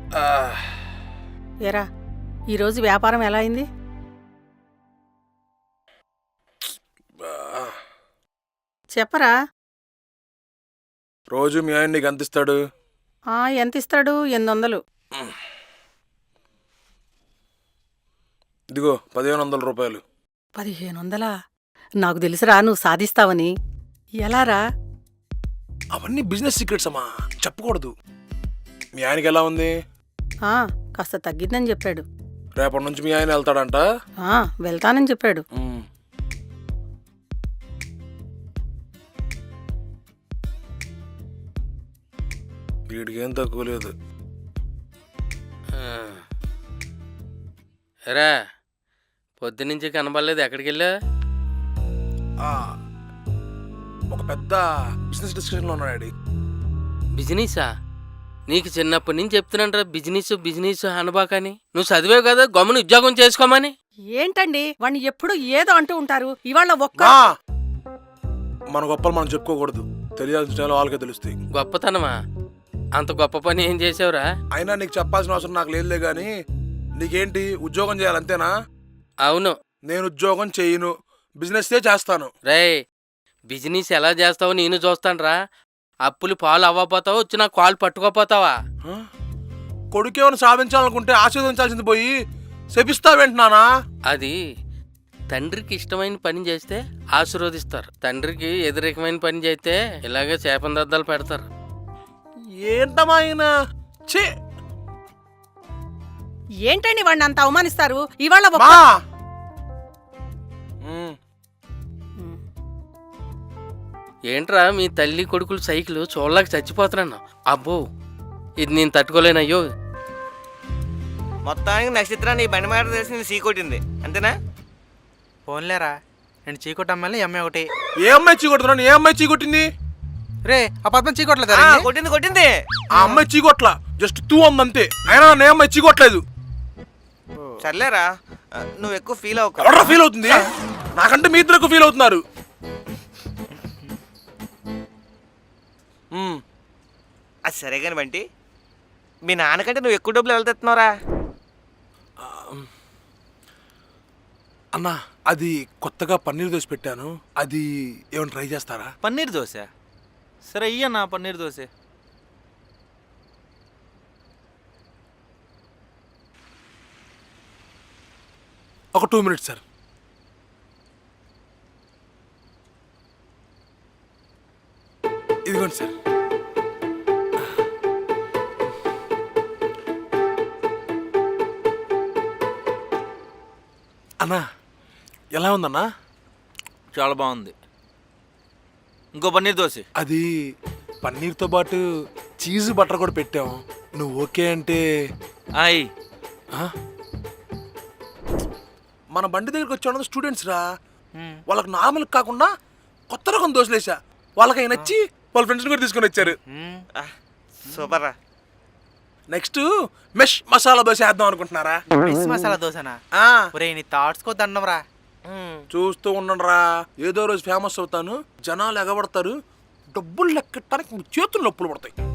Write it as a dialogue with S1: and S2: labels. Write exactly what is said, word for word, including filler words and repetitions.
S1: ఏరా ఈరోజు వ్యాపారం ఎలా అయింది? చెప్పరా.
S2: రోజు మీ ఆయన నీకు ఎంత ఇస్తాడు?
S1: ఎంత ఇస్తాడు? ఎనిమిది వందలు.
S2: ఇదిగో పదిహేను వందల రూపాయలు.
S1: పదిహేను వందలా? నాకు తెలుసురా నువ్వు సాధిస్తావని. ఎలారా?
S2: అవన్నీ బిజినెస్ సీక్రెట్స్ అమ్మా, చెప్పకూడదు. మీ ఆయనకి ఎలా ఉంది?
S1: కాస్త తగ్గిందని చెప్పాడు.
S2: రేపటి నుంచి మీ ఆయన వెళ్తాడంట?
S1: వెళ్తానని చెప్పాడు.
S2: వీడికి ఏం తక్కువ లేదు.
S3: రా పొద్దునుంచి కనబడలేదు, ఎక్కడికి వెళ్ళా?
S2: ఒక పెద్ద బిజినెస్ డిస్కషన్లో ఉన్నాడు.
S3: బిజినెసా? నీకు చిన్నప్పటి నుంచి చెప్తున్నాను రా బిజినెస్ బిజినెస్ అనబాకని. నువ్వు చదివావు కదా, గమ్మున ఉద్యోగం చేసుకోమని.
S1: ఏంటండి వాడిని ఎప్పుడు ఏదో అంటూ ఉంటారు. ఇవాళ ఒక్క
S2: మన గొప్పలు మనం చెప్పుకోకూడదు, తెలియాల్సిన వాళ్ళకే తెలుస్తాయి.
S3: గొప్పతనమా? అంత గొప్ప పని ఏం చేసావురా?
S2: అయినా నీకు చెప్పాల్సిన అవసరం నాకు లేదులే గాని, నీకేంటి ఉద్యోగం చేయాలంతేనా?
S3: అవును.
S2: నేను ఉద్యోగం చేయను, బిజినెస్ చేస్తాను.
S3: రే బిజినెస్ ఎలా చేస్తావో నేను చూస్తాను రా. అప్పులు పాలు అవ్వపోతావా, వచ్చి నాకు కాలు పట్టుకోపోతావా?
S2: కొడుకేమైనా సాధించాలనుకుంటే ఆశీర్వదించాల్సింది పోయి శపిస్తావేంటున్నానా?
S3: అది తండ్రికి ఇష్టమైన పని చేస్తే ఆశీర్వదిస్తారు, తండ్రికి వ్యతిరేకమైన పని చేస్తే ఇలాగే చేపన దద్దాలు పెడతారు.
S2: ఏంటమ్మా ఆయన?
S1: ఏంటండి వాడిని అంత అవమానిస్తారు? ఇవాళ
S3: ఏంట్రా మీ తల్లి కొడుకులు సైకిల్ చూడలేక చచ్చిపోతున్నాను. అబ్బో ఇది నేను తట్టుకోలేనయ్యో.
S4: మొత్తానికి నక్షత్రాన్ని ఈ బండి మాట తెలిసి చీకొట్టింది అంతేనా?
S5: ఫోన్లేరా నేను చీకొట్టమ్మల్ని అమ్మాయి ఒకటి.
S2: ఏ అమ్మాయి చీకొడుతున్నాను? ఏ అమ్మాయి చీకొట్టింది?
S5: రే ఆ పద్మ చీకొట్టలేదు.
S4: కొట్టింది కొట్టింది
S2: ఆ అమ్మాయి చీకొట్ల, జస్ట్ తూ అంతే. అయినా నే అమ్మాయి చీకొట్టలేదు.
S4: సర్లేరా, నువ్వు ఎక్కువ ఫీల్ అవ్వకు.
S2: ఎవరా ఫీల్ అవుతుంది? నాకంటే మీ ఇద్దరు ఎక్కువ ఫీల్ అవుతున్నారు.
S4: అది సరే కాని బంటి, మీ నాన్నకంటే నువ్వు ఎక్కువ డబ్బులు ఎవరు తెస్తున్నావురా?
S2: అన్నా అది కొత్తగా పన్నీర్ దోశ పెట్టాను, అది ఏమైనా ట్రై చేస్తారా?
S5: పన్నీర్ దోశ? సరే అయ్యన్నా పన్నీర్ దోశ.
S2: ఒక టూ మినిట్స్ సార్. ఇదిగోండి సార్. అన్నా ఎలా ఉందన్నా?
S5: చాలా బాగుంది. ఇంకో పన్నీర్ దోశ.
S2: అది పన్నీర్తో పాటు చీజ్ బటర్ కూడా పెట్టాం, నువ్వు ఓకే అంటే?
S5: అయ్
S2: మన బండి దగ్గరికి వచ్చే స్టూడెంట్స్ రా, వాళ్ళకి నార్మల్ కాకుండా కొత్త రకం దోశలు వేసా, వాళ్ళకి అవి నచ్చి వాళ్ళ ఫ్రెండ్స్ కూడా తీసుకొని వచ్చారు.
S4: సూపర్ రా.
S2: నెక్స్ట్ మెష్ మసాలా దోశ వేద్దాం అనుకుంటున్నారా?
S5: మెష్ మసాలా దోశనా? ఒరేయ్ నీ థాట్స్ కో దండంరా.
S2: చూస్తూ ఉండండిరా, ఏదో రోజు ఫేమస్ అవుతాను, జనాలు ఎగబడతారు, డబ్బులు లెక్కటానికి మీ చేతులు నొప్పులు పడతాయి.